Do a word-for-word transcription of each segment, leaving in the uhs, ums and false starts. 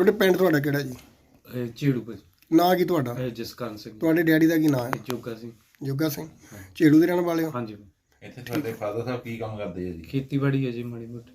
ਤੁਹਾਡੇ ਪਿੰਡ ਤੁਹਾਡਾ ਕਿਹੜਾ ਜੀ? ਇਹ ਝੇੜੂ ਭਾਜੀ। ਨਾਂ ਕੀ ਤੁਹਾਡਾ? ਇਹ ਜਸਕਰਨ ਸਿੰਘ। ਤੁਹਾਡੇ ਡੈਡੀ ਦਾ ਕੀ ਨਾਂ ਹੈ? ਇਹ ਜੋਗਾ ਸਿੰਘ। ਜੋਗਾ ਸਿੰਘ। ਝੇੜੂ ਦੇ ਰਹਿਣ ਵਾਲੇ ਹੋ? ਹਾਂਜੀ। ਇੱਥੇ ਤੁਹਾਡੇ ਫਾਦਰ ਸਾਹਿਬ ਕੀ ਕੰਮ ਕਰਦੇ ਆ ਜੀ? ਖੇਤੀਬਾੜੀ ਹੈ ਜੀ ਮਾੜੀ ਮੋਟੀ।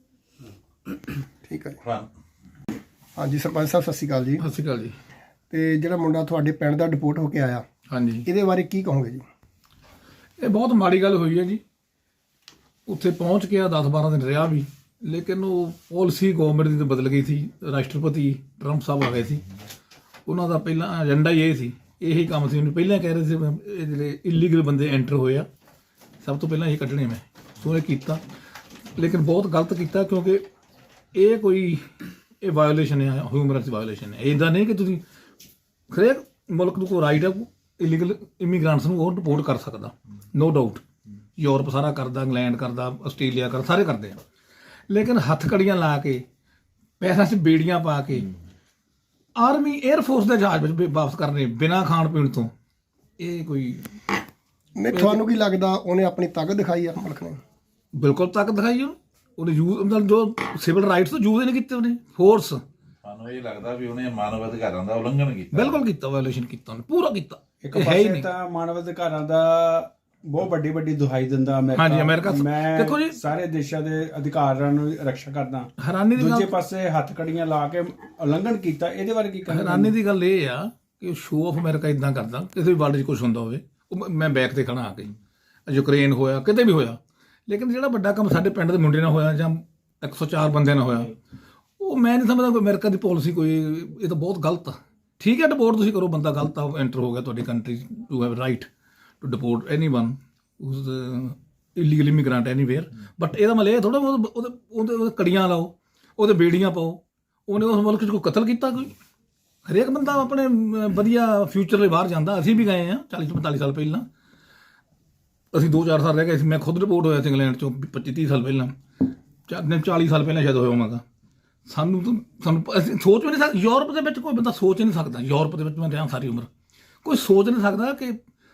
ਠੀਕ ਹੈ ਜੀ। ਹਾਂਜੀ ਸਰਪੰਚ ਸਾਹਿਬ ਸਤਿ ਸ਼੍ਰੀ ਅਕਾਲ ਜੀ। ਸਤਿ ਸ਼੍ਰੀ ਅਕਾਲ ਜੀ। ਤੇ ਜਿਹੜਾ ਮੁੰਡਾ ਤੁਹਾਡੇ ਪਿੰਡ ਦਾ ਡਿਪੋਰਟ ਹੋ ਕੇ ਆਇਆ, ਹਾਂਜੀ, ਇਹਦੇ ਬਾਰੇ ਕੀ ਕਹੋਗੇ ਜੀ? ਇਹ ਬਹੁਤ ਮਾੜੀ ਗੱਲ ਹੋਈ ਹੈ ਜੀ। ਉੱਥੇ ਪਹੁੰਚ ਕੇ ਦਸ ਬਾਰਾਂ ਦਿਨ ਰਿਹਾ ਵੀ, ਲੇਕਿਨ ਉਹ ਪਾਲਿਸੀ ਗਵਰਨਮੈਂਟ ਦੀ ਤਾਂ ਬਦਲ ਗਈ ਸੀ। ਰਾਸ਼ਟਰਪਤੀ ਟਰੰਪ ਸਾਹਿਬ ਆ ਗਏ ਸੀ। ਉਹਨਾਂ ਦਾ ਪਹਿਲਾਂ ਏਜੰਡਾ ਹੀ ਇਹ ਸੀ, ਇਹੀ ਕੰਮ ਸੀ। ਉਹਨੂੰ ਪਹਿਲਾਂ ਕਹਿ ਰਹੇ ਸੀ ਇਹ ਜਿਹੜੇ ਇਲੀਗਲ ਬੰਦੇ ਐਂਟਰ ਹੋਏ ਆ ਸਭ ਤੋਂ ਪਹਿਲਾਂ ਇਹ ਕੱਢਣੇ ਮੈਂ, ਸੋ ਇਹ ਕੀਤਾ, ਲੇਕਿਨ ਬਹੁਤ ਗਲਤ ਕੀਤਾ, ਕਿਉਂਕਿ ਇਹ ਕੋਈ ਇਹ ਵਾਇਓਲੇਸ਼ਨ ਹੈ, ਹਿਊਮਨ ਰਾਈਟਸ ਵਾਇਓਲੇਸ਼ਨ ਹੈ। ਇੱਦਾਂ ਨਹੀਂ ਕਿ ਤੁਸੀਂ ਹਰੇਕ ਮੁਲਕ ਨੂੰ ਕੋਈ ਰਾਈਟ ਹੈ ਇਲੀਗਲ ਇਮੀਗ੍ਰੈਂਟਸ ਨੂੰ ਉਹ ਰਿਪੋਰਟ ਕਰ ਸਕਦਾ, ਨੋ ਡਾਊਟ। ਯੂਰਪ ਸਾਰਾ ਕਰਦਾ, ਇੰਗਲੈਂਡ ਕਰਦਾ, ਆਸਟ੍ਰੇਲੀਆ ਕਰਦਾ, ਸਾਰੇ ਕਰਦੇ ਆ। ਲੇਕਿਨ ਹੱਥ ਕੜੀਆਂ ਲਾ ਕੇ, ਪੈਸਿਆਂ 'ਚ ਬੇੜੀਆਂ ਪਾ ਕੇ ਆਰਮੀ 에ਅਰਫੋਰਸ ਦੇ ਜਹਾਜ਼ ਵਿੱਚ ਵਾਪਸ ਕਰਨੇ ਬਿਨਾਂ ਖਾਣ ਪੀਣ ਤੋਂ, ਇਹ ਕੋਈ ਨਹੀਂ ਤੁਹਾਨੂੰ ਕੀ ਲੱਗਦਾ ਉਹਨੇ ਆਪਣੀ ਤਾਕਤ ਦਿਖਾਈ ਆ ਮੁਲਕ ਨੇ? ਬਿਲਕੁਲ ਤਾਕਤ ਦਿਖਾਈ ਉਹਨੇ। ਉਹਨੇ ਯੂਜ਼ ਮਤਲਬ ਜੋ ਸਿਵਲ ਰਾਈਟਸ ਤੋਂ ਯੂਜ਼ ਨਹੀਂ ਕੀਤੇ ਉਹਨੇ, ਫੋਰਸ। ਸਾਨੂੰ ਇਹ ਲੱਗਦਾ ਵੀ ਉਹਨੇ ਮਾਨਵ ਅਧਿਕਾਰਾਂ ਦਾ ਉਲੰਘਣ ਕੀਤਾ। ਬਿਲਕੁਲ ਕੀਤਾ, ਵਾਇਓਲੇਸ਼ਨ ਕੀਤਾ ਉਹਨੇ, ਪੂਰਾ ਕੀਤਾ। ਇੱਕ ਇਹ ਹੈ ਹੀ ਪਾਸੇ ਨਹੀਂ। ਤਾਂ ਮਾਨਵ ਅਧਿਕਾਰਾਂ ਦਾ ਬਹੁਤ ਵੱਡੀ ਵੱਡੀ ਦੁਹਾਈ ਦਿੰਦਾ ਅਮਰੀਕਾ। ਹਾਂਜੀ, ਅਮਰੀਕਾ। ਮੈਂ ਦੇਖੋ ਜੀ, ਸਾਰੇ ਦੇਸ਼ਾਂ ਦੇ ਅਧਿਕਾਰਾਂ ਨੂੰ ਰੱਖਿਆ ਕਰਦਾ। ਹੈਰਾਨੀ ਦੀ ਦੂਜੇ ਗੱਲ ਪਾਸੇ ਹੱਥ ਕੜੀਆਂ ਲਾ ਕੇ ਉਲੰਘਣ ਕੀਤਾ, ਇਹਦੇ ਬਾਰੇ ਕੀ ਕਹਿਣਾ? ਹੈਰਾਨੀ ਦੀ ਗੱਲ ਇਹ ਆ ਕਿ ਸ਼ੋਅ ਆਫ ਅਮਰੀਕਾ ਇਦਾਂ ਕਰਦਾ, ਕਿਸੇ ਵੀ ਵਰਲਡ 'ਚ ਕੁਝ ਹੁੰਦਾ ਹੋਵੇ, ਉਹ ਮੈਂ ਬੈਕ ਤੇ ਖੜਾ ਆ ਕੇ, ਯੂਕਰੇਨ ਹੋਇਆ, ਕਿਤੇ ਵੀ ਹੋਇਆ, ਲੇਕਿਨ ਜਿਹੜਾ ਵੱਡਾ ਕੰਮ ਸਾਡੇ ਪਿੰਡ ਦੇ ਮੁੰਡੇ ਨਾਲ ਹੋਇਆ ਜਾਂ ਇੱਕ ਸੌ ਚਾਰ ਬੰਦਿਆਂ ਨਾਲ ਹੋਇਆ, ਉਹ ਮੈਂ ਨਹੀਂ ਸਮਝਦਾ ਕੋਈ ਅਮਰੀਕਾ ਦੀ ਪਾਲਿਸੀ ਕੋਈ, ਇਹ ਤਾਂ ਬਹੁਤ ਗਲਤ ਆ। ਠੀਕ ਹੈ, ਡਿਪੋਰਟ ਤੁਸੀਂ ਕਰੋ, ਬੰਦਾ ਗਲਤ ਆ, ਐਂਟਰ ਹੋ ਗਿਆ ਤੁਹਾਡੀ country, you have right to deport anyone ਉਸ ਇਲੀਗਲ ਇਮੀਗ੍ਰੈਂਟ ਐਨੀਵੇਅਰ, ਬਟ ਇਹਦਾ ਮਤਲਬ ਇਹ ਥੋੜਾ ਉਹਦੇ ਉਹਦੇ ਉਹਦੇ ਕੜੀਆਂ ਲਾਓ, ਉਹਦੇ ਬੇੜੀਆਂ ਪਾਓ। ਉਹਨੇ ਉਸ ਮੁਲਕ 'ਚ ਕੋਈ ਕਤਲ ਕੀਤਾ? ਕੋਈ ਹਰੇਕ ਬੰਦਾ ਆਪਣੇ ਵਧੀਆ ਫਿਊਚਰ ਲਈ ਬਾਹਰ ਜਾਂਦਾ। ਅਸੀਂ ਵੀ ਗਏ ਹਾਂ ਚਾਲੀ ਪੰਤਾਲੀ ਸਾਲ ਪਹਿਲਾਂ, ਅਸੀਂ ਦੋ ਚਾਰ ਸਾਲ ਰਹਿ ਗਏ ਸੀ। ਮੈਂ ਖੁਦ ਰਿਪੋਰਟ ਹੋਇਆ ਸੀ ਇੰਗਲੈਂਡ 'ਚੋਂ ਪੱਚੀ ਤੀਹ ਸਾਲ ਪਹਿਲਾਂ, ਚਾਲੀ ਸਾਲ ਪਹਿਲਾਂ ਸ਼ਾਇਦ ਹੋਇਆ ਹੋਵਾਂਗਾ। ਸਾਨੂੰ ਤਾਂ ਸਾਨੂੰ ਅਸੀਂ ਸੋਚ ਵੀ ਨਹੀਂ ਸਕਦੇ। ਯੂਰਪ ਦੇ ਵਿੱਚ ਕੋਈ ਬੰਦਾ ਸੋਚ ਹੀ ਨਹੀਂ ਸਕਦਾ, ਯੂਰਪ ਦੇ ਵਿੱਚ ਮੈਂ ਰਿਹਾ ਸਾਰੀ ਉਮਰ, ਕੋਈ ਸੋਚ ਨਹੀਂ ਸਕਦਾ ਕਿ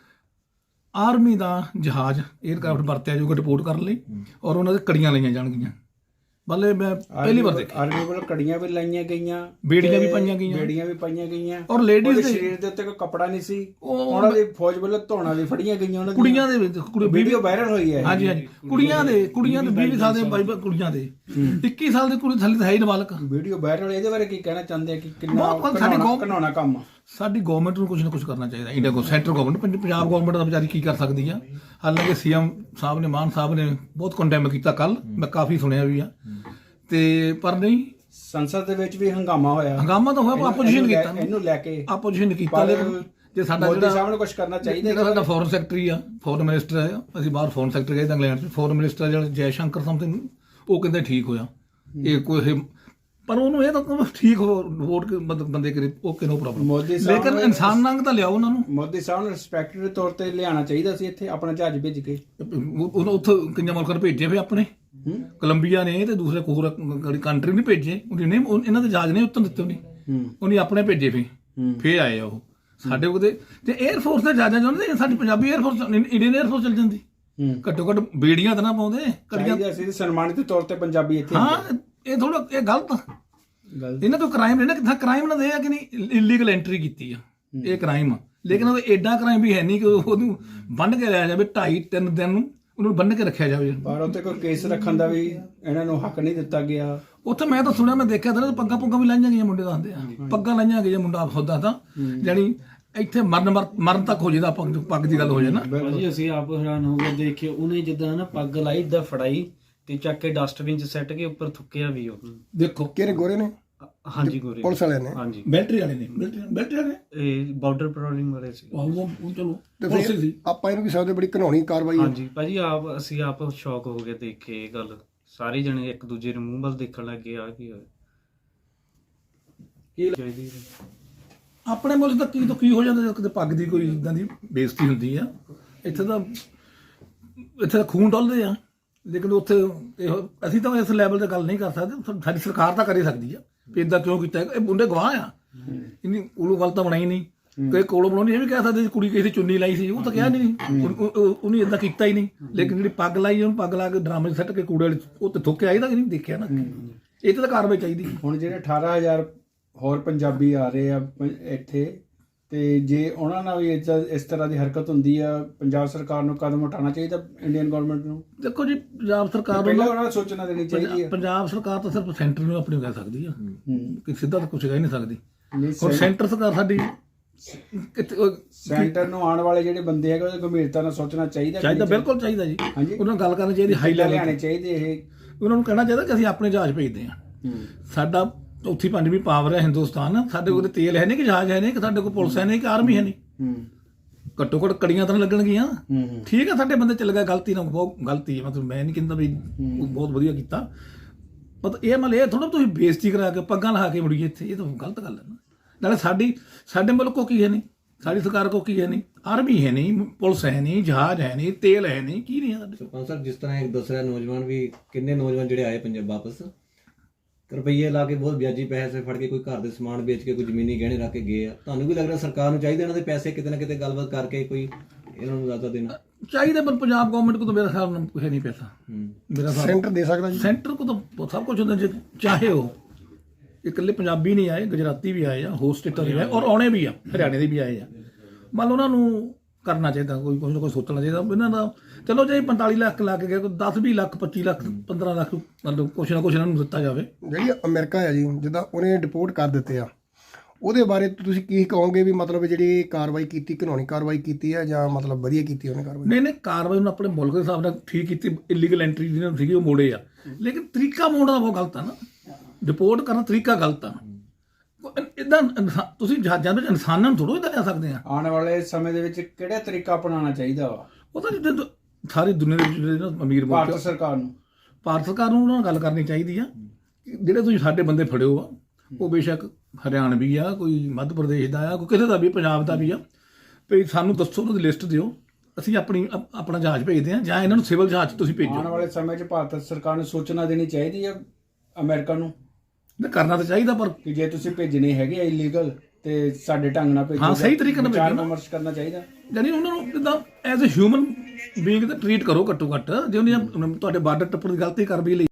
ਆਰਮੀ ਦਾ ਜਹਾਜ਼ ਏਅਰਕ੍ਰਾਫਟ ਵਰਤਿਆ ਜਾਊਗਾ ਰਿਪੋਰਟ ਕਰਨ ਲਈ, ਔਰ ਉਹਨਾਂ ਦੇ ਕੜੀਆਂ ਲਈਆਂ ਜਾਣਗੀਆਂ। ਬੱਲੇ ਮੈਂ ਪਹਿਲੀ ਵਾਰ ਦੇਖਿਆ। ਆਰਮੀ ਵੱਲੋਂ ਕੜੀਆਂ ਵੀ ਲਾਈਆਂ ਗਈਆਂ, ਬੇੜੀਆਂ ਵੀ ਪਾਈਆਂ ਗਈਆਂ, ਬੇੜੀਆਂ ਵੀ ਪਾਈਆਂ ਗਈਆਂ, ਔਰ ਲੇਡੀਜ਼ ਦੇ ਸਰੀਰ ਦੇ ਉੱਤੇ ਕੋਈ ਕੱਪੜਾ ਨਹੀਂ ਸੀ। ਉਹ ਉਹਨਾਂ ਦੀ ਫੌਜ ਵੱਲੋਂ ਧੋਣਾ ਵੀ ਫੜੀਆਂ ਗਈਆਂ ਉਹਨਾਂ ਦੀਆਂ। ਕੁੜੀਆਂ ਦੇ ਵਿੱਚ ਵੀਡੀਓ ਵਾਇਰਲ ਹੋਈ ਹੈ। ਹਾਂਜੀ ਹਾਂਜੀ, ਕੁੜੀਆਂ ਦੇ ਕੁੜੀਆਂ ਦੇ ਵੀਹ ਸਾਲ ਦੇ ਬਾਈ ਕੁੜੀਆਂ ਦੇ ਇੱਕੀ ਸਾਲ ਦੇ ਕੁੜੀ ਥੱਲੇ ਤਾਂ ਹੈ ਹੀ ਨਾਬਾਲਗ। ਵੀਡੀਓ ਵਾਇਰਲ, ਇਹਦੇ ਬਾਰੇ ਕੀ ਕਹਿਣਾ ਚਾਹੁੰਦੇ ਆ ਕਿ ਕਿੰਨਾ ਬਹੁਤ ਸਾਡੀ ਗੌ- ਘਿਨਾਉਣਾ ਕੰਮ ਆ? ਸਾਡੀ ਗਵਰਨਮੈਂਟ ਨੂੰ ਕੁਝ ਨਾ ਕੁਝ ਕਰਨਾ ਚਾਹੀਦਾ। ਇੰਡੀਆ ਕੋ ਸੈਂਟਰ ਗਵਰਨਮੈਂਟ, ਪੰਜਾਬ ਗਵਰਨਮੈਂਟ ਦਾ ਵਿਚਾਰੀ ਕੀ ਕਰ ਸਕਦੀ ਆ? ਹਾਲਾਂਕਿ ਸੀਐਮ ਸਾਹਿਬ ਨੇ, ਮਾਨ ਸਾਹਿਬ ਨੇ ਬਹੁਤ ਕੰਡੈਮ ਕੀਤਾ ਕੱਲ, ਮੈਂ ਕਾਫੀ ਸੁਣਿਆ ਵੀ ਆ, ਤੇ ਪਰ ਨਹੀਂ, ਸੰਸਦ ਦੇ ਵਿੱਚ ਵੀ ਹੰਗਾਮਾ ਹੋਇਆ। ਹੰਗਾਮਾ ਤਾਂ ਹੋਇਆ, ਆਪੋਜੀਸ਼ਨ ਕੀਤਾ, ਇਹਨੂੰ ਲੈ ਕੇ ਆਪੋਜੀਸ਼ਨ ਕੀਤਾ। ਲੇਕਿਨ ਜੇ ਸਾਡਾ ਮੋਦੀ ਜਿਹੜਾ ਸਾਹਿਬ ਨੂੰ ਕੁਝ ਕਰਨਾ ਚਾਹੀਦਾ। ਜਿਹੜਾ ਸਾਡਾ ਫੋਰਨ ਸੈਕਟਰੀ ਆ, ਫੋਰਨ ਮਿਨਿਸਟਰ ਹੈ, ਅਸੀਂ ਬਾਹਰ ਫੋਰਨ ਸੈਕਟਰ ਗਏ ਤਾਂ ਇੰਗਲੈਂਡ 'ਚ, ਫੋਰਨ ਮਿਨਿਸਟਰ ਜਿਹੜਾ ਜੈ ਸ਼ੰਕਰ ਸਮਥਿੰਗ, ਉਹ ਕਹਿੰਦੇ ਠੀਕ ਹੋਇਆ ਇਹ ਕੋਈ, ਪਰ ਉਹਨੂੰ ਇਹ ਤਾਂ ਠੀਕ ਹੋ ਵੋਟ ਮਤਲਬ ਬੰਦੇ ਕਰੇ okay, no problem. Modi sahib ਲੇਕਿਨ ਇਨਸਾਨ ਨੰਗ ਤਾਂ ਲਿਆਓ ਉਹਨਾਂ ਨੂੰ। ਮੋਦੀ ਸਾਹਿਬ ਨੂੰ ਰਿਸਪੈਕਟ ਦੇ ਤੌਰ ਤੇ ਲਿਆਉਣਾ ਚਾਹੀਦਾ ਸੀ ਇੱਥੇ, ਆਪਣਾ ਜਹਾਜ਼ ਭੇਜ ਕੇ। ਉਹਨੂੰ ਉੱਥੇ ਕਿੰਨੇ ਮੁਲਕਾਂ ਨੂੰ ਭੇਜੇ ਫਿਰ ਆਪਣੇ, ਕੋਲੰਬੀਆ ਨੇ ਤੇ ਦੂਸਰੇ ਹੋਰ ਕੰਟਰੀ ਨਹੀਂ ਭੇਜੇ ਉਹਨੇ, ਇਹਨਾਂ ਦੇ ਜਹਾਜ਼ ਨਹੀਂ ਉੱਤਰ ਦਿੱਤੇ ਉਹਨੇ, ਉਹਨੇ ਆਪਣੇ ਭੇਜੇ ਫਿਰ ਫੇਰ ਆਏ ਆ ਉਹ ਸਾਡੇ ਉਹਦੇ। ਤੇ 에ਅਰਫੋਰਸ ਦੇ ਜਹਾਜ਼ਾਂ ਜਾਂਦੇ, ਸਾਡੀ ਪੰਜਾਬੀ 에ਅਰਫੋਰਸ, ਇੰਡੀਅਨ 에ਅਰਫੋਰਸ ਚੱਲ ਜਾਂਦੀ। ਘੱਟੋ ਘੱਟ ਬੇੜੀਆਂ ਤਾਂ ਨਾ ਪਾਉਂਦੇ, ਕੜੀਆਂ ਸੀ ਸਨਮਾਨਿਤ ਦੇ ਤੌਰ ਤੇ ਪੰਜਾਬੀ ਇੱਥੇ। ਹਾਂ, ਇਹ ਥੋੜਾ ਇਹ ਗਲਤ ਆ। ਇਹਨਾਂ ਤੋਂ ਕ੍ਰਾਈਮ ਨਹੀਂ ਨਾ, ਕਿੱਥਾ ਕ੍ਰਾਈਮ ਨਾ ਦੇ ਆ ਕਿ ਨਹੀਂ ਇਲੀਗਲ ਐਂਟਰੀ ਕੀਤੀ ਆ, ਇਹ ਕ੍ਰਾਈਮ ਆ। ਲੇਕਿਨ ਉਹ ਐਡਾ ਕ੍ਰਾਈਮ ਵੀ ਹੈ ਨਹੀਂ ਕਿ ਉਹਨੂੰ ਬੰਨ੍ਹ ਕੇ ਲਿਆ ਜਾਵੇ, ਢਾਈ ਤਿੰਨ ਦਿਨ ਨੂੰ ਉਹਨੂੰ ਬੰਨ੍ਹ ਕੇ ਰੱਖਿਆ ਜਾਵੇ। ਪਰ ਉੱਥੇ ਕੋਈ ਕੇਸ ਰੱਖਣ ਦਾ ਵੀ ਇਹਨਾਂ ਨੂੰ ਹੱਕ ਨਹੀਂ ਦਿੱਤਾ ਗਿਆ। ਉੱਥੇ ਮੈਂ ਤਾਂ ਸੁਣਿਆ, ਮੈਂ ਦੇਖਿਆ ਤਾਂ ਪੱਗਾਂ ਪੁੱਗਾਂ ਵੀ ਲਾਈਆਂ ਗਈਆਂ, ਮੁੰਡੇ ਦੱਸਦੇ ਆ ਪੱਗਾਂ ਲਾਈਆਂ ਗਈਆਂ, ਮੁੰਡਾ ਹੁੰਦਾ ਤਾਂ ਜਾਣੀ ਇੱਥੇ ਮਰਨ ਮਰਨ ਤੱਕ ਹੋ ਜਾਏਦਾ ਪੱਗ ਪੱਗ ਦੀ ਗੱਲ ਹੋ ਜਾਏ ਨਾ। ਭਾਜੀ ਅਸੀਂ ਆਪ ਹੈਰਾਨ ਹੋ ਗਏ ਦੇਖ ਕੇ, ਉਹਨੇ ਜਿੱਦਾਂ ਨਾ ਪੱਗ ਲਾਈ, ਇੱਦਾਂ ਫੜਾਈ ਤੇ ਚੱਕ ਕੇ ਡਸਟਬਿਨ 'ਚ ਸੱਟ ਕੇ ਉੱਪਰ ਥੁੱਕਿਆ ਵੀ ਉਹ। ਦੇਖੋ ਕਿਹੜੇ ਗੋਰੇ ਨੇ? ਹਾਂਜੀ, ਗੋਰੇ ਪੁਲਿਸ ਵਾਲਿਆਂ ਨੇ? ਹਾਂਜੀ, ਮਿਲਟਰੀ ਵਾਲੇ ਨੇ, ਮਿਲਟਰੀ ਵਾਲੇ ਇਹ ਬਾਰਡਰ ਪੈਟਰੋਲਿੰਗ ਵਾਲੇ ਸੀ। ਉਹ ਚਲੋ ਤੇ ਫਿਰ ਆਪਾਂ ਇਹਨੂੰ ਵੀ ਸਕਦੇ ਬੜੀ ਘਿਨਾਉਣੀ ਕਾਰਵਾਈ ਹੈ। ਹਾਂਜੀ ਭਾਜੀ, ਆਪ ਅਸੀਂ ਆਪ ਸ਼ੌਕ ਹੋ ਗਏ ਦੇਖ ਕੇ ਇਹ ਗੱਲ। ਸਾਰੇ ਜਣੇ ਇੱਕ ਦੂਜੇ ਦੇ ਮੂੰਹ ਵੱਲ ਦੇਖਣ ਲੱਗ ਗਏ, ਆ ਕੀ ਹੋਇਆ ਕੀ ਚਾਹੀਦੀ ਆਪਣੇ ਮੁਲਕ ਦਾ ਕੀ ਤੋਂ ਕੀ ਹੋ ਜਾਂਦਾ, ਕਿਤੇ ਪੱਗ ਦੀ ਕੋਈ ਇਦਾਂ ਦੀ ਬੇਇੱਜ਼ਤੀ ਹੁੰਦੀ ਆ। ਇੱਥੇ ਤਾਂ ਇੱਥੇ ਤਾਂ ਖੂਨ ਡੁੱਲਦੇ ਆ, ਲੇਕਿਨ ਉੱਥੇ ਇਹੋ ਅਸੀਂ ਤਾਂ ਇਸ ਲੈਵਲ ਤੇ ਗੱਲ ਨਹੀਂ ਕਰ ਸਕਦੇ। ਸਾਡੀ ਸਰਕਾਰ ਤਾਂ ਕਰ ਸਕਦੀ ਆ ਵੀ ਇੱਦਾਂ ਕਿਉਂ ਕੀਤਾ। ਇਹ ਮੁੰਡੇ ਗਵਾਹ ਆ, ਇੰਨੀ ਉਹਨੂੰ ਗੱਲ ਤਾਂ ਬਣਾਈ ਨਹੀਂ। ਕਈ ਕੋਲੋਂ ਬਣਾਉਣੀ ਇਹ ਵੀ ਕਹਿ ਸਕਦੇ ਕੁੜੀ ਕਿਸੇ ਦੀ ਚੁੰਨੀ ਲਾਈ ਸੀ, ਉਹ ਤਾਂ ਕਿਹਾ ਨਹੀਂ, ਉਹਨੇ ਇੱਦਾਂ ਕੀਤਾ ਹੀ ਨਹੀਂ। ਲੇਕਿਨ ਜਿਹੜੀ ਪੱਗ ਲਾਈ, ਉਹਨੂੰ ਪੱਗ ਲਾ ਕੇ ਡਰਾਮੇ 'ਚ ਸੱਟ ਕੇ ਕੂੜੇ ਵਾਲੇ ਉਹ ਤੇ ਥੁੱਕਿਆ, ਇਹਦਾ ਕਿ ਨਹੀਂ ਦੇਖਿਆ ਨਾ। ਇਹ ਤਾਂ ਕਾਰਵਾਈ ਚਾਹੀਦੀ। ਹੁਣ ਜਿਹੜੇ ਅਠਾਰਾਂ ਹਜ਼ਾਰ ਹੋਰ ਪੰਜਾਬੀ ਆ ਰਹੇ ਆ ਪ- ਇੱਥੇ, ਤੇ ਜੇ ਉਹਨਾਂ ਨਾਲ ਵੀ ਇਸ ਇਸ ਤਰ੍ਹਾਂ ਦੀ ਹਰਕਤ ਹੁੰਦੀ ਆ, ਪੰਜਾਬ ਸਰਕਾਰ ਨੂੰ ਕਦਮ ਉਠਾਉਣਾ ਚਾਹੀਦਾ, ਇੰਡੀਅਨ ਗਵਰਨਮੈਂਟ ਨੂੰ। ਦੇਖੋ ਜੀ, ਪੰਜਾਬ ਸਰਕਾਰ ਪਹਿਲਾਂ ਨੂੰ ਉਹਨਾਂ ਨੂੰ ਸੋਚਣਾ ਦੇਣੀ ਚਾਹੀਦੀ ਪੰਜਾ- ਆ। ਪੰਜਾਬ ਸਰਕਾਰ ਤਾਂ ਸਿਰਫ ਸੈਂਟਰ ਨੂੰ ਆਪਣੀ ਕਹਿ ਸਕਦੀ ਆ, ਹੂੰ। ਕਿ ਸਿੱਧਾ ਤਾਂ ਕੁਝ ਕਹਿ ਨਹੀਂ ਸਕਦੀ। ਨਹੀਂ, ਹੁਣ ਸੈਂ- ਸੈਂਟਰ ਸਰਕਾਰ ਸਾਡੀ ਕਿਤੇ ਉਹ- ਸੈਂਟਰ ਨੂੰ ਆਉਣ ਵਾਲੇ ਜਿਹੜੇ ਬੰਦੇ ਹੈਗੇ ਉਹਦੀ ਗੰਭੀਰਤਾ ਨਾਲ ਸੋਚਣਾ ਚਾਹੀਦਾ ਕਿ ਚਾਹੀਦਾ, ਨਹੀਂ ਬਿਲਕੁਲ ਚਾਹੀਦਾ ਜੀ। ਹਾਂਜੀ। ਉਹਨਾਂ ਨੂੰ ਗੱਲ ਕਰਨੀ ਚਾਹੀਦੀ ਹਾਈ ਚਾਹੀਦਾ, ਲੈਵਲ ਲਿਆਉਣੇ ਤੇ। ਚਾਹੀਦੇ ਇਹ। ਉਹਨਾਂ ਨੂੰ ਕਹਿਣਾ ਚਾਹੀਦਾ ਕਿ ਅਸੀਂ ਆਪਣੇ ਜਹਾਜ਼ ਭੇਜਦੇ ਹਾਂ। ਹੂੰ। ਸਾਡਾ ਚੌਥੀ ਪੰਜਵੀਂ ਪਾਵਰ ਹੈ ਹਿੰਦੁਸਤਾਨ, ਸਾਡੇ ਕੋਲ ਤੇਲ ਹੈ ਨਹੀਂ, ਕਿ ਜਹਾਜ਼ ਹੈ ਨਹੀਂ, ਕਿ ਸਾਡੇ ਕੋਲ ਪੁਲਿਸ ਹੈ ਨਹੀਂ, ਕਿ ਆਰਮੀ ਹੈ ਨਹੀਂ। ਹੂੰ। ਘੱਟੋ ਘੱਟ ਕੜੀਆਂ ਤਾਂ ਲੱਗਣਗੀਆਂ। ਹੂੰ। ਹੂੰ। ਠੀਕ ਹੈ, ਸਾਡੇ ਬੰਦੇ ਚੱਲ ਗਏ, ਗਲਤੀ ਨਾਲ, ਬਹੁਤ ਗਲਤੀ ਹੈ, ਮਤਲਬ ਮੈਂ ਨਹੀਂ ਕਹਿੰਦਾ ਵੀ ਉਹ ਬਹੁਤ ਵਧੀਆ ਕੀਤਾ, ਪਰ ਇਹ ਮਤਲਬ ਇਹ ਥੋੜਾ ਤੁਸੀਂ ਬੇਇੱਜ਼ਤੀ ਕਰਾ ਕੇ ਪੱਗਾਂ ਲਾ ਕੇ ਮੁੜੀਏ ਇੱਥੇ, ਇਹ ਤਾਂ ਗਲਤ ਗੱਲ ਹੈ ਨਾ। ਨਾਲੇ ਸਾਡੀ ਸਾਡੇ ਮੁਲਕ ਕੋ ਕੀ ਹੈ ਨਹੀਂ, ਸਾਡੀ ਸਰਕਾਰ ਕੋ ਕੀ ਹੈ ਨਹੀਂ, ਆਰਮੀ ਹੈ ਨਹੀਂ, ਪੁਲਿਸ ਹੈ ਨਹੀਂ, ਜਹਾਜ਼ ਹੈ ਨਹੀਂ, ਤੇਲ ਹੈ ਨਹੀਂ, ਕੀ ਨਹੀਂ ਹੈ ਸਾਡੇ। ਸਰਪੰਚ ਸਾਹਿਬ, ਜਿਸ ਤਰ੍ਹਾਂ ਇੱਕ ਦੂਸਰਾ ਨੌਜਵਾਨ ਵੀ, ਕਿੰਨੇ ਨੌਜਵਾਨ ਜਿਹੜੇ ਆਏ ਪੰਜਾਬ ਵਾਪਸ ਰੁਪਈਏ ਲਾ ਕੇ, ਬਹੁਤ ਵਿਆਜੀ ਪੈਸੇ ਫੜ ਕੇ, ਕੋਈ ਘਰ ਦੇ ਸਮਾਨ ਵੇਚ ਕੇ, ਕੋਈ ਜ਼ਮੀਨੀ ਗਹਿਣੇ ਰੱਖ ਕੇ ਗਏ ਆ। ਤੁਹਾਨੂੰ ਵੀ ਲੱਗ ਰਿਹਾ ਸਰਕਾਰ ਨੂੰ ਚਾਹੀਦਾ ਇਹਨਾਂ ਦੇ ਪੈਸੇ ਕਿਤੇ ਨਾ ਕਿਤੇ ਗੱਲਬਾਤ ਕਰਕੇ ਕੋਈ ਇਹਨਾਂ ਨੂੰ ਜ਼ਿਆਦਾ ਦੇਣਾ ਚਾਹੀਦਾ, ਪਰ ਪੰਜਾਬ ਗਵਰਨਮੈਂਟ ਕੋ ਤਾਂ ਮੇਰਾ ਹਿਸਾਬ ਨਾਲ ਕੁਛ ਨਹੀਂ ਪੈਸਾ। ਮੇਰਾ ਹਿਸਾਬ ਸੈਂਟਰ ਦੇ ਸਕਦਾ ਜੀ। ਸੈਂਟਰ ਕੋ ਤਾਂ ਸਭ ਕੁਝ ਹੁੰਦਾ, ਜੇ ਚਾਹੇ ਉਹ ਇਕੱਲੇ ਪੰਜਾਬੀ ਨਹੀਂ ਆਏ, ਗੁਜਰਾਤੀ ਵੀ ਆਏ ਆ, ਹੋਰ ਸਟੇਟਾਂ ਦੇ ਵੀ ਆਏ, ਔਰ ਆਉਣੇ ਵੀ ਆ, ਹਰਿਆਣੇ ਦੇ ਵੀ ਆਏ ਆ। ਮੰਨ ਲਓ ਉਹਨਾਂ ਨੂੰ ਕਰਨਾ ਚਾਹੀਦਾ, ਕੋਈ ਕੁਝ ਨਾ ਕੋਈ ਸੋਚਣਾ ਚਾਹੀਦਾ ਇਹਨਾਂ ਦਾ। ਚਲੋ ਜੇ ਪੰਤਾਲੀ ਲੱਖ ਲਾ ਕੇ ਗਏ, ਕੋਈ ਦਸ ਵੀਹ ਲੱਖ, ਪੱਚੀ ਲੱਖ, ਪੰਦਰਾਂ ਲੱਖ, ਮਤਲਬ ਕੁਛ ਨਾ ਕੁਛ ਇਹਨਾਂ ਨੂੰ ਦਿੱਤਾ ਜਾਵੇ। ਜਿਹੜੀ ਅਮਰੀਕਾ ਹੈ ਜੀ, ਜਿੱਦਾਂ ਉਹਨੇ ਡਿਪੋਰਟ ਕਰ ਦਿੱਤੇ ਆ, ਉਹਦੇ ਬਾਰੇ ਤੁਸੀਂ ਕੀ ਕਹੋਗੇ ਵੀ ਮਤਲਬ ਜਿਹੜੀ ਕਾਰਵਾਈ ਕੀਤੀ, ਕਾਨੂੰਨੀ ਕਾਰਵਾਈ ਕੀਤੀ ਹੈ ਜਾਂ ਮਤਲਬ ਵਧੀਆ ਕੀਤੀ ਉਹਨੇ ਕਾਰਵਾਈ? ਨਹੀਂ ਨਹੀਂ, ਕਾਰਵਾਈ ਨੂੰ ਆਪਣੇ ਮੁਲਕ ਦੇ ਹਿਸਾਬ ਨਾਲ ਠੀਕ ਕੀਤੀ, ਇਲੀਗਲ ਐਂਟਰੀ ਜਿਹਨਾਂ ਸੀਗੀ ਉਹ ਮੋੜੇ ਆ, ਲੇਕਿਨ ਤਰੀਕਾ ਮੋੜਨਾ ਬਹੁਤ ਗਲਤ ਆ ਨਾ। ਡਿਪੋਰਟ ਕਰਨਾ ਤਰੀਕਾ ਗਲਤ ਆ। ਇਦਾਂ ਤੁਸੀਂ ਜਹਾਜ਼ਾਂ ਵਿੱਚ ਇਨਸਾਨਾਂ ਨੂੰ ਥੋੜ੍ਹਾ ਇਦਾਂ ਲੈ ਸਕਦੇ ਆ। ਆਉਣ ਵਾਲੇ ਸਮੇਂ ਦੇ ਵਿੱਚ ਕਿਹੜਾ ਤਰੀਕਾ ਅਪਣਾਉਣਾ ਚਾਹੀਦਾ ਵਾ ਉਹ ਤਾਂ ਜਿੱਦਾਂ ਸਾਰੀ ਦੁਨੀਆ ਦੇ ਵਿੱਚ ਜਿਹੜੇ ਨਾ ਅਮੀਰ ਮੁਲਕ ਭਾਰਤ ਸਰਕਾਰ ਨੂੰ? ਭਾਰਤ ਸਰਕਾਰ ਨੂੰ ਉਹਨਾਂ ਨਾਲ ਗੱਲ ਕਰਨੀ ਚਾਹੀਦੀ ਆ ਕਿ ਜਿਹੜੇ ਤੁਸੀਂ ਸਾਡੇ ਬੰਦੇ ਫੜਿਓ ਆ, ਉਹ ਬੇਸ਼ੱਕ ਹਰਿਆਣਵੀ ਆ, ਕੋਈ ਮੱਧ ਪ੍ਰਦੇਸ਼ ਦਾ ਆ, ਕੋਈ ਕਿਸੇ ਦਾ ਵੀ, ਪੰਜਾਬ ਦਾ ਵੀ ਆ, ਵੀ ਸਾਨੂੰ ਦੱਸੋ, ਉਹਨਾਂ ਦੀ ਲਿਸਟ ਦਿਓ, ਅਸੀਂ ਆਪਣੀ ਅਪ- ਆਪਣਾ ਜਹਾਜ਼ ਭੇਜਦੇ ਹਾਂ, ਜਾਂ ਇਹਨਾਂ ਨੂੰ ਸਿਵਲ ਜਹਾਜ਼ 'ਚ ਤੁਸੀਂ ਆਉਣ ਭੇਜੋ। ਵਾਲੇ ਸਮੇਂ 'ਚ ਭਾਰਤ ਸਰਕਾਰ ਨੂੰ ਸੋਚਣਾ ਦੇਣੀ ਚਾਹੀਦੀ ਹੈ ਅਮਰੀਕਾ ਨੂੰ ਤੇ ਕਰਨਾ ਤਾਂ ਚਾਹੀਦਾ, ਪਰ ਕਿ ਜੇ ਤੁਸੀਂ ਭੇਜਣੇ ਹੈਗੇ ਆ ਇਲੀਗਲ ਤੇ ਸਾਡੇ ਢੰਗ ਨਾਲ ਭੇਜੋ। ਹਾਂ, ਸਹੀ ਤਰੀਕੇ ਨਾਲ ਵਿਚਾਰ ਭੇਜੋ ਨਾ। ਵਿਮਰਸ਼ ਕਰਨਾ ਚਾਹੀਦਾ। ਯਾਨੀ ਉਹਨਾਂ ਨੂੰ ਜਿੱਦਾਂ ਐਜ਼ ਅ ਹਿਊਮਨ ਬੀਇੰਗ ਤਾਂ ਟਰੀਟ ਕਰੋ ਘੱਟੋ ਘੱਟ। ਜੇ ਉਹਨੇ ਤੁਹਾਡੇ ਬਾਰਡਰ ਟੱਪਣ ਦੀ ਗਲਤੀ ਕਰ ਵੀ ਲਈ